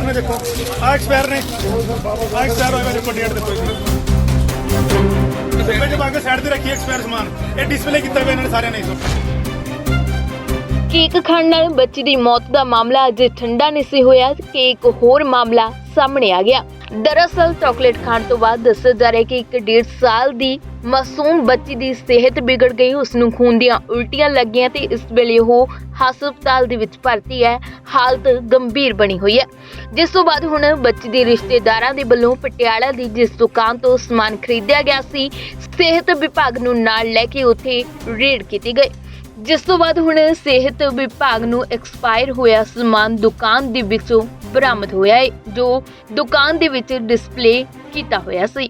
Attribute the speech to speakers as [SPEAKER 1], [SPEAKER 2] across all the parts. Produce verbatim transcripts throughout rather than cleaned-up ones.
[SPEAKER 1] ਨੇ ਦੇਖੋ ਆ ਐਕਸਪਾਇਰ ਨੇ ਆ ਐਕਸਪਾਇਰ ਹੋਇਆ ਦੇਖੋ ਡੇਟ ਦੇਖੋ ਡੱਬੇ ਚ ਪਾ ਕੇ ਸਾਈਡ ਤੇ ਰੱਖੀ ਐਕਸਪਾਇਰ ਸਮਾਨ ਇਹ ਡਿਸਪਲੇ ਕੀਤਾ ਹੋਇਆ ਇਹਨਾਂ ਨੇ ਸਾਰਿਆਂ ਨੇ।
[SPEAKER 2] ਕੇਕ ਖਾਣ ਨਾਲ ਬੱਚੀ ਦੀ ਮੌਤ ਦਾ ਮਾਮਲਾ ਅਜੇ ਠੰਡਾ ਨਹੀਂ ਸੀ ਹੋਇਆ ਕਿ ਇੱਕ ਹੋਰ ਮਾਮਲਾ ਸਾਹਮਣੇ ਆ ਗਿਆ। ਦਰਅਸਲ ਚਾਕਲੇਟ ਖਾਣ ਤੋਂ ਬਾਅਦ ਦੱਸਿਆ ਜਾ ਰਿਹਾ ਕਿ ਇੱਕ ਡੇਢ ਸਾਲ ਦੀ ਮਾਸੂਮ ਬੱਚੀ ਦੀ ਸਿਹਤ ਵਿਗੜ ਗਈ, ਉਸ ਨੂੰ ਖੂਨ ਦੀਆਂ ਉਲਟੀਆਂ ਲੱਗੀਆਂ ਤੇ ਇਸ ਵੇਲੇ ਉਹ ਹਸਪਤਾਲ ਦੇ ਵਿੱਚ ਭਰਤੀ ਹੈ। ਹਾਲਤ ਗੰਭੀਰ ਬਣੀ ਹੋਈ ਹੈ, ਜਿਸ ਤੋਂ ਬਾਅਦ ਹੁਣ ਬੱਚੀ ਦੇ ਰਿਸ਼ਤੇਦਾਰਾਂ ਦੇ ਵੱਲੋਂ ਪਟਿਆਲਾ ਦੀ ਜਿਸ ਦੁਕਾਨ ਤੋਂ ਸਮਾਨ ਖਰੀਦਿਆ ਗਿਆ ਸੀ, ਸਿਹਤ ਵਿਭਾਗ ਨੂੰ ਨਾਲ ਲੈ ਕੇ ਉੱਥੇ ਰੇਡ ਕੀਤੀ ਗਈ, ਜਿਸ ਤੋਂ ਬਾਅਦ ਹੁਣ ਸਿਹਤ ਵਿਭਾਗ ਨੂੰ ਐਕਸਪਾਇਰ ਹੋਇਆ ਸਮਾਨ ਦੁਕਾਨ ਦੇ ਵਿੱਚੋਂ ਬਰਾਮਦ ਹੋਇਆ ਹੈ, ਜੋ ਦੁਕਾਨ ਦੇ ਵਿੱਚ ਡਿਸਪਲੇ ਕੀਤਾ ਹੋਇਆ ਸੀ।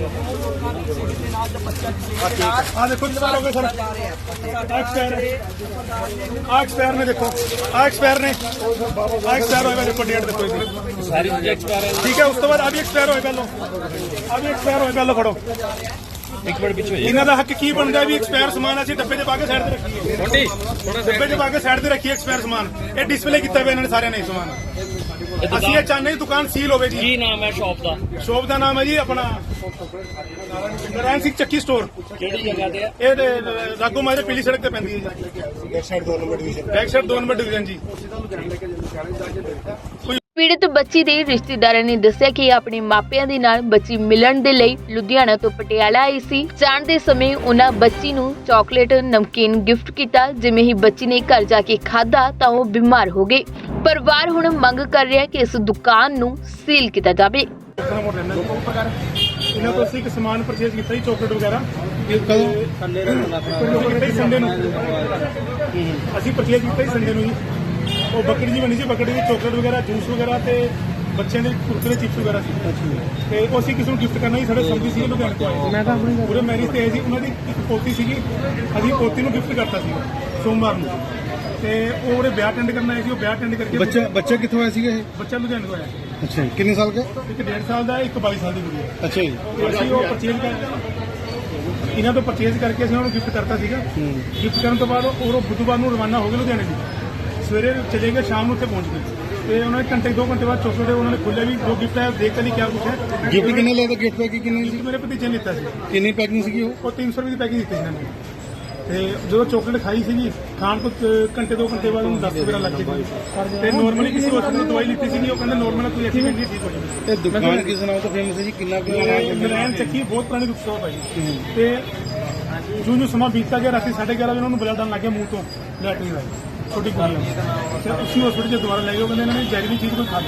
[SPEAKER 1] ਆ ਦੇਖੋ ਕਿੰਨਾ ਹੋ ਗਿਆ ਸਰ ਐਕਸਪਾਇਰ ਆ ਐਕਸਪਾਇਰ ਨੇ ਦੇਖੋ ਆ ਐਕਸਪਾਇਰ ਨੇ ਆ ਐਕਸਪਾਇਰ ਹੋਇਆ ਦੇਖੋ ਡੇਟ ਦੇਖੋ ਇਹਦੀ ਸਾਰੀ ਚੀਜ਼ਾਂ ਐਕਸਪਾਇਰ ਹੈ। ਠੀਕ ਹੈ, ਉਸ ਤੋਂ ਬਾਅਦ ਆ ਵੀ ਐਕਸਪਾਇਰ ਹੋਇਆ ਪਹਿਲਾਂ ਆ ਵੀ ਐਕਸਪਾਇਰ ਹੋਇਆ ਪਹਿਲਾਂ ਫੜੋ ਇੱਕ ਮਿੰਟ ਪਿੱਛੇ ਇਹਨਾਂ ਦਾ ਹੱਕ ਕੀ ਬਣਦਾ ਵੀ ਐਕਸਪਾਇਰ ਸਮਾਨ ਅਸੀਂ ਡੱਬੇ 'ਚ ਪਾ ਕੇ ਸਾਈਡ ਤੇ ਰੱਖੀਏ ਥੋੜੀ ਥੋੜਾ ਡੱਬੇ 'ਚ ਪਾ ਕੇ ਸਾਈਡ ਤੇ ਰੱਖੀਏ ਐਕਸਪਾਇਰ ਸਮਾਨ ਇਹ ਡਿਸਪਲੇ ਕੀਤਾ ਹੋਇਆ ਇਹਨਾਂ ਨੇ ਸਾਰਿਆਂ ਨੇ ਸਮਾਨ। ਅਸੀਂ ਇਹ ਚਾਹੁੰਦੇ ਹਾਂ ਦੁਕਾਨ ਸੀਲ ਹੋਵੇ ਜੀ।
[SPEAKER 3] ਕੀ ਨਾਮ ਹੈ ਸ਼ਾਪ ਦਾ?
[SPEAKER 1] ਸ਼ਾਪ ਦਾ ਨਾਮ ਹੈ ਜੀ ਆਪਣਾ ਨਾਰਾਇਣ ਸਿੰਘ ਚੱਕੀ ਸਟੋਰ।
[SPEAKER 3] ਕਿਹੜੀ ਜਗ੍ਹਾ ਤੇ ਹੈ?
[SPEAKER 1] ਇਹ ਰਾਗੋ ਮਾਰੇ ਪੀਲੀ ਸੜਕ ਤੇ ਪੈਂਦੀ ਹੈ ਜੀ, ਬੈਕ ਸਾਈਡ ਦੋ ਨੰਬਰ ਡਿਵੀਜ਼ਨ ਬੈਕ ਸਾਈਡ ਦੋ ਨੰਬਰ ਡਿਵੀਜ਼ਨ ਜੀ।
[SPEAKER 2] ਪੀੜਤ ਬੱਚੀ ਦੇ ਰਿਸ਼ਤੇਦਾਰਾਂ ਨੇ ਦੱਸਿਆ ਕਿ ਆਪਣੇ ਮਾਪਿਆਂ ਦੇ ਨਾਲ ਬੱਚੀ ਮਿਲਣ ਦੇ ਲਈ ਲੁਧਿਆਣਾ ਤੋਂ ਪਟਿਆਲਾ ਆਈ ਸੀ। ਜਾਣ ਦੇ ਸਮੇਂ ਉਹਨਾਂ ਬੱਚੀ ਨੂੰ ਚਾਕਲੇਟ ਨਮਕੀਨ ਗਿਫਟ ਕੀਤਾ। ਜਿਵੇਂ ਹੀ ਬੱਚੀ ਨੇ ਘਰ ਜਾ ਕੇ ਖਾਧਾ ਤਾਂ ਉਹ ਬਿਮਾਰ ਹੋ ਗਈ। ਪਰਿਵਾਰ ਹੁਣ ਮੰਗ ਕਰ ਰਿਹਾ ਕਿ ਇਸ ਦੁਕਾਨ ਨੂੰ ਸੀਲ ਕੀਤਾ ਜਾਵੇ।
[SPEAKER 1] ਇਹਨਾਂ ਤੋਂ ਅਸੀਂ ਇੱਕ ਸਮਾਨ ਪਰਚੇਜ਼ ਕੀਤਾ ਜੀ, ਚਾਕਲੇਟ ਵਗੈਰਾ ਸੰਡੇ ਨੂੰ ਅਸੀਂ ਪਰਚੇਜ਼ ਕੀਤਾ ਜੀ ਸੰਡੇ ਨੂੰ ਜੀ। ਉਹ ਬੱਕਰੀ ਜੀ ਬਣੀ ਸੀ, ਬੱਕਰੀ ਦੀ ਚਾਕਲੇਟ ਵਗੈਰਾ ਜੂਸ ਵਗੈਰਾ ਤੇ ਬੱਚਿਆਂ ਦੇ ਕੁਰਕਰੇ ਚਿਪਸ ਵਗੈਰਾ ਸੀ ਤੇ ਉਹ ਅਸੀਂ ਕਿਸੇ ਨੂੰ ਗਿਫਟ ਕਰਨਾ ਸੀ। ਸਾਡੇ ਸੰਬੰਧੀ ਸੀ ਲੁਧਿਆਣੇ ਤੋਂ ਆਏ, ਮੈਂ ਤਾਂ ਆਪਣੀ ਪੂਰੇ ਮੈਰਿਜ ਤੇ ਆਏ ਸੀ। ਉਹਨਾਂ ਦੀ ਇੱਕ ਪੋਤੀ ਸੀਗੀ, ਅਸੀਂ ਪੋਤੀ ਨੂੰ ਗਿਫਟ ਕਰਤਾ ਸੀ ਸੋਮਵਾਰ ਨੂੰ ਤੇ ਉਹ ਉਹਦੇ ਵਿਆਹ ਅਟੈਂਡ ਕਰਨ ਆਏ ਸੀ। ਉਹ ਵਿਆਹ ਅਟੈਂਡ ਕਰਕੇ
[SPEAKER 4] ਬੱਚਾ ਬੱਚਾ ਕਿੱਥੋਂ ਆਇਆ ਸੀਗਾ ਇਹ?
[SPEAKER 1] ਬੱਚਾ ਲੁਧਿਆਣੇ ਤੋਂ ਆਇਆ ਸੀ।
[SPEAKER 4] ਅੱਛਾ ਜੀ, ਕਿੰਨੇ ਸਾਲ ਦਾ?
[SPEAKER 1] ਇੱਕ ਡੇਢ ਸਾਲ ਦਾ, ਇੱਕ ਬਾਈ ਸਾਲ ਦੀ ਕੁੜੀ ਹੈ।
[SPEAKER 4] ਅੱਛਾ ਜੀ,
[SPEAKER 1] ਤੇ ਅਸੀਂ ਉਹ ਪਰਚੇਜ਼ ਕਰ ਇਹਨਾਂ ਤੋਂ ਪਰਚੇਜ਼ ਕਰਕੇ ਅਸੀਂ ਉਹਨੂੰ ਗਿਫਟ ਕਰਤਾ ਸੀਗਾ। ਗਿਫਟ ਕਰਨ ਤੋਂ ਬਾਅਦ ਉਹ ਬੁੱਧਵਾਰ ਨੂੰ ਰਵਾਨਾ ਹੋ ਗਏ ਲੁਧਿਆਣੇ ਦੀ। ਸਵੇਰੇ ਚਲੇ ਗਏ, ਸ਼ਾਮ ਨੂੰ ਉੱਥੇ ਪਹੁੰਚ ਗਏ ਤੇ ਉਹਨਾਂ ਨੇ ਘੰਟੇ ਦੋ ਘੰਟੇ ਬਾਅਦ ਚਾਕਲੇਟ ਉਹਨਾਂ ਨੇ ਖੋਲਿਆ ਵੀ ਜੋ ਗਿਫਟ ਹੈ ਦੇਖ ਕੇ ਨਹੀਂ ਕਿਆ ਕੁਛ ਹੈ।
[SPEAKER 4] ਗਿਫਟ ਕਿੰਨੇ ਲਿਆ? ਗਿਫਟ ਪੈਕਿੰਗ ਕਿੰਨੀ ਸੀ?
[SPEAKER 1] ਮੇਰੇ ਭਤੀਜੇ ਨੇ ਲਿੱਤਾ ਸੀ।
[SPEAKER 4] ਕਿੰਨੀ ਪੈਕਿੰਗ ਸੀਗੀ ਉਹ?
[SPEAKER 1] ਉਹ ਤਿੰਨ ਸੌ ਰੁਪਏ ਦੀ ਪੈਕਿੰਗ ਦਿੱਤੀ ਸੀ ਇਹਨਾਂ ਨੇ ਤੇ ਜਦੋਂ ਚਾਕਲੇਟ ਖਾਈ ਸੀਗੀ ਖਾਣ ਤੋਂ ਘੰਟੇ ਦੋ ਘੰਟੇ ਬਾਅਦ ਉਹਨੂੰ ਦਸ ਵਗੈਰਾ ਲੱਗ ਗਈ ਤੇ ਨੋਰਮਲੀ ਕਿਸੇ ਹਸਪਤਾਲ ਤੋਂ ਦਵਾਈ ਲਿੱਤੀ ਸੀਗੀ। ਉਹ ਕਹਿੰਦੇ ਨੋਰਮਲ ਕੋਈ ਐਕਸੀਡੈਂਟ ਨਹੀਂ ਠੀਕ ਹੋ ਜਾਊਗੀ।
[SPEAKER 4] ਇਹ ਦੁਕਾਨ ਕਿਸ ਨਾਮ ਤੋਂ ਫੇਮਸ ਹੈ ਜੀ? ਕਿੰਨਾ
[SPEAKER 1] ਨਾਰਾਇਣ ਚੱਕੀ ਬਹੁਤ ਪੁਰਾਣੀ ਦੁਕਾਨ ਹੈ ਜੀ। ਤੇ ਜੋ ਜੋ ਸਮਾਂ ਬੀਤਦਾ ਗਿਆ, ਰਾਤੀ ਸਾਢੇ ਗਿਆਰਾਂ ਵਜੇ ਉਹਨਾਂ ਨੂੰ ਬਲੱਡ ਆਉਣ ਲੱਗ ਗਿਆ ਮੂੰਹ ਤੋਂ, ਲੈਟਰਿਨ ਦਾ ਛੋਟੀ ਕੁੜੀ ਤੇ ਉਸੇ ਹਸਪਤਾਲ 'ਚ ਦੁਬਾਰਾ ਲੈ ਗਏ। ਉਹ ਕਹਿੰਦੇ ਇਹਨਾਂ ਨੇ ਜ਼ਹਿਰੀਲੀ ਚੀਜ਼ ਕੋਈ ਖਾ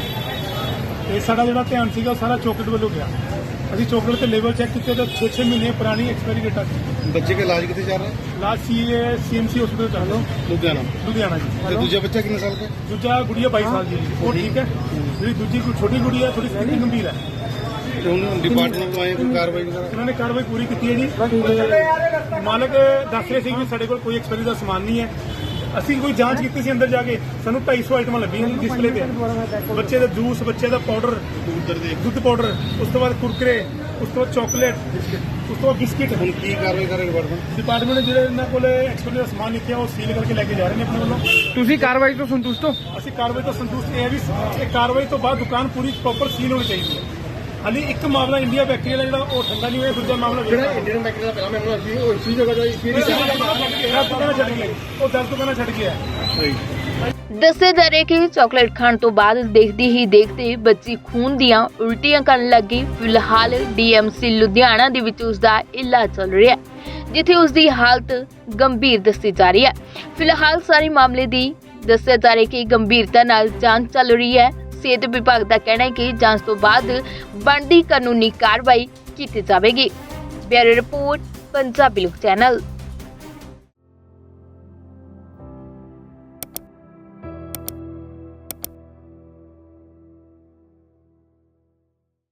[SPEAKER 1] ਲਈ ਤੇ ਸਾਡਾ ਜਿਹੜਾ ਧਿਆਨ ਸੀਗਾ ਉਹ ਸਾਰਾ ਚਾਕਲੇਟ ਵੱਲੋਂ ਗਿਆ। ਅਸੀਂ ਚਾਕਲੇਟ ਤੇ ਲੇਬਲ ਚੈੱਕ ਕੀਤੇ ਤਾਂ ਛੇ ਛੇ ਮਹੀਨੇ ਪੁਰਾਣੀ ਐਕਸਪਾਇਰੀ ਡੇਟ ਆ ਸੀ।
[SPEAKER 4] ਬੱਚੇ ਦਾ ਇਲਾਜ ਕਿੱਥੇ ਚੱਲ ਰਿਹਾ?
[SPEAKER 1] ਲਾਸਟ ਸੀ ਸੀਐਮਸੀ ਹਸਪਤਾਲ ਚੱਲ ਰਿਹਾ
[SPEAKER 4] ਲੁਧਿਆਣਾ
[SPEAKER 1] ਲੁਧਿਆਣਾ ਜੀ।
[SPEAKER 4] ਤੇ ਦੂਜਾ ਬੱਚਾ ਕਿੰਨੇ ਸਾਲ ਦਾ?
[SPEAKER 1] ਦੂਜਾ ਗੁੜੀਆ ਬਾਈ ਸਾਲ ਦੀ ਹੈ ਜੀ, ਉਹ ਠੀਕ ਹੈ। ਜਿਹੜੀ ਦੂਜੀ ਕੋਈ ਛੋਟੀ ਗੁੜੀ ਹੈ ਥੋੜੀ ਸਥਿਤੀ ਗੰਭੀਰ ਹੈ।
[SPEAKER 4] ਤੇ ਉਹਨੂੰ ਡਿਪਾਰਟਮੈਂਟ ਤੋਂ ਆਏ ਕੋਈ ਕਾਰਵਾਈ ਵਗੈਰਾ?
[SPEAKER 1] ਉਹਨਾਂ ਨੇ ਕਾਰਵਾਈ ਪੂਰੀ ਕੀਤੀ ਹੈ ਜੀ। ਮਾਲਕ ਦੱਸ ਰਹੇ ਸੀ ਕਿ ਸਾਡੇ ਕੋਲ ਕੋਈ ਐਕਸਪਾਇਰੀ ਦਾ ਸਮਾਨ ਨਹੀਂ ਹੈ। ਅਸੀਂ ਕੋਈ ਜਾਂਚ ਕੀਤੀ ਸੀ ਅੰਦਰ ਜਾ ਕੇ, ਸਾਨੂੰ ਢਾਈ ਸੌ ਆਈਟਮਾਂ ਲੱਭੀਆਂ ਡਿਸਪਲੇ ਤੇ। ਬੱਚੇ ਦਾ ਜੂਸ, ਬੱਚੇ ਦਾ ਪਾਊਡਰ, ਦੁੱਧ ਪਾਊਡਰ, ਉਸ ਤੋਂ ਬਾਅਦ ਕੁਰਕਰੇ, ਉਸ ਤੋਂ ਬਾਅਦ ਚਾਕਲੇਟ, ਉਸ ਤੋਂ ਬਾਅਦ ਬਿਸਕਿਟ।
[SPEAKER 4] ਹੁਣ ਕੀ ਕਾਰਵਾਈ ਕਰੇ ਡਿਪਾਰਟਮੈਂਟ?
[SPEAKER 1] ਡਿਪਾਰਟਮੈਂਟ ਨੇ ਜਿਹੜੇ ਇਹਨਾਂ ਕੋਲ ਐਕਸਪਾਇਰੀ ਦਾ ਸਮਾਨ ਲਿਖਿਆ ਉਹ ਸੀਲ ਕਰਕੇ ਲੈ ਕੇ ਜਾ ਰਹੇ ਨੇ ਆਪਣੇ ਵੱਲੋਂ।
[SPEAKER 4] ਤੁਸੀਂ ਕਾਰਵਾਈ ਤੋਂ ਸੰਤੁਸ਼ਟ ਹੋ?
[SPEAKER 1] ਅਸੀਂ ਕਾਰਵਾਈ ਤੋਂ ਸੰਤੁਸ਼ਟ ਇਹ ਹੈ ਵੀ ਇਹ ਕਾਰਵਾਈ ਤੋਂ ਬਾਅਦ ਦੁਕਾਨ ਪੂਰੀ ਪ੍ਰੋਪਰ ਸੀਲ ਹੋਣੀ ਚਾਹੀਦੀ ਹੈ। ਹਾਲੀ ਇੱਕ ਮਾਮਲਾ ਇੰਡੀਆ ਫੈਕਟਰੀ ਦਾ ਜਿਹੜਾ ਉਹ ਠੰਡਾ ਨਹੀਂ ਹੋਇਆ, ਦੂਜਾ ਮਾਮਲਾ ਜਿਹੜਾ ਇੰਡੀਅਨ ਫੈਕਟਰੀ ਦਾ ਪਹਿਲਾਂ ਮੈਨੂੰ ਅਸੀਂ ਉਹ ਇਸੀ ਜਗ੍ਹਾ ਜਾਈ ਫਿਰ ਛੱਡ ਗਿਆ, ਉਹ ਦਸ ਦੁਕਾਨਾਂ ਛੱਡ ਗਿਆ।
[SPEAKER 2] ਦੱਸਿਆ ਜਾ ਰਿਹਾ ਕਿ ਚਾਕਲੇਟ ਖਾਣ ਤੋਂ ਬਾਅਦ ਦੇਖਦੀ ਹੀ ਦੇਖਦੇ ਬੱਚੀ ਖੂਨ ਦੀਆਂ ਉਲਟੀਆਂ ਕਰਨ ਲੱਗੀ। ਫਿਲਹਾਲ ਡੀਐਮਸੀ ਲੁਧਿਆਣਾ ਦੇ ਵਿੱਚ ਉਸ ਦਾ ਇਲਾਜ ਚੱਲ ਰਿਹਾ ਹੈ, ਜਿੱਥੇ ਉਸ ਦੀ ਹਾਲਤ ਗੰਭੀਰ ਦੱਸੀ ਜਾ ਰਹੀ ਹੈ। ਫਿਲਹਾਲ ਸਾਰੇ ਮਾਮਲੇ ਦੀ ਦੱਸਿਆ ਜਾ ਰਿਹਾ ਕਿ ਗੰਭੀਰਤਾ ਨਾਲ ਜਾਂਚ ਚੱਲ ਰਹੀ ਹੈ। ਸਿਹਤ ਵਿਭਾਗ ਦਾ ਕਹਿਣਾ ਹੈ ਕਿ ਜਾਂਚ ਤੋਂ ਬਾਅਦ ਬਣਦੀ ਕਾਨੂੰਨੀ ਕਾਰਵਾਈ ਕੀਤੀ ਜਾਵੇਗੀ। ਬਿਊਰੋ ਰਿਪੋਰਟ, ਪੰਜਾਬੀ ਲੋਕ ਚੈਨਲ।